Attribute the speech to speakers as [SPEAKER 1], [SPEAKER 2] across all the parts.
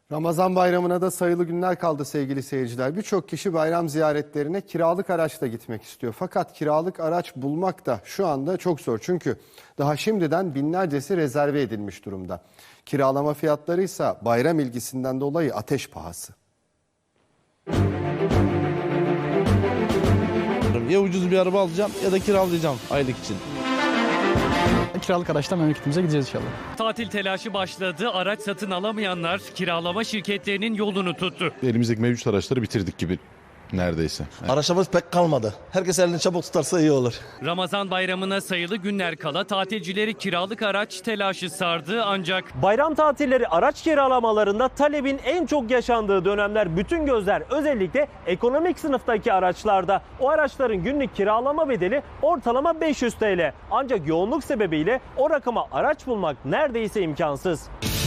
[SPEAKER 1] Ramazan bayramına da sayılı günler kaldı sevgili seyirciler. Birçok kişi bayram ziyaretlerine kiralık araçla gitmek istiyor. Fakat kiralık araç bulmak da şu anda çok zor. Çünkü daha şimdiden binlercesi rezerve edilmiş durumda. Kiralama fiyatları ise bayram ilgisinden dolayı ateş pahası.
[SPEAKER 2] Ya ucuz bir araba alacağım ya da kiralayacağım aylık için.
[SPEAKER 3] Kiralık araçla memleketimize gideceğiz inşallah.
[SPEAKER 4] Tatil telaşı başladı. Araç satın alamayanlar kiralama şirketlerinin yolunu tuttu.
[SPEAKER 5] Elimizdeki mevcut araçları bitirdik gibi neredeyse.
[SPEAKER 2] Araçlarımız pek kalmadı. Herkes elini çabuk tutarsa iyi olur.
[SPEAKER 4] Ramazan bayramına sayılı günler kala tatilcileri kiralık araç telaşı sardı ancak
[SPEAKER 6] Bayram tatilleri araç kiralamalarında talebin en çok yaşandığı dönemler, bütün gözler özellikle ekonomik sınıftaki araçlarda. O araçların günlük kiralama bedeli ortalama 500 TL. Ancak yoğunluk sebebiyle o rakama araç bulmak neredeyse imkansız.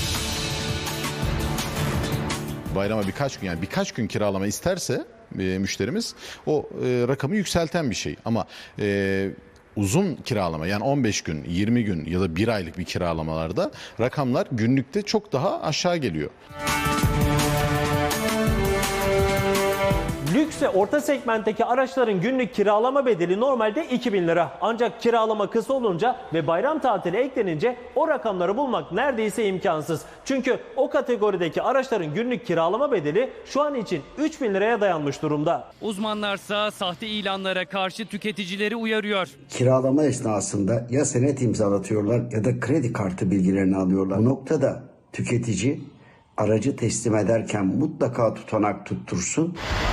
[SPEAKER 5] Bayrama birkaç gün kiralama isterse müşterimiz o rakamı yükselten bir şey. Ama uzun kiralama yani 15 gün, 20 gün ya da 1 aylık bir kiralamalarda rakamlar günlükte çok daha aşağı geliyor.
[SPEAKER 6] Lüks ve orta segmentteki araçların günlük kiralama bedeli normalde 2000 lira. Ancak kiralama kısa olunca ve bayram tatili eklenince o rakamları bulmak neredeyse imkansız. Çünkü o kategorideki araçların günlük kiralama bedeli şu an için 3000 liraya dayanmış durumda.
[SPEAKER 4] uzmanlarsa sahte ilanlara karşı tüketicileri uyarıyor.
[SPEAKER 7] Kiralama esnasında ya senet imzalatıyorlar ya da kredi kartı bilgilerini alıyorlar. Bu noktada tüketici aracı teslim ederken mutlaka tutanak tuttursun.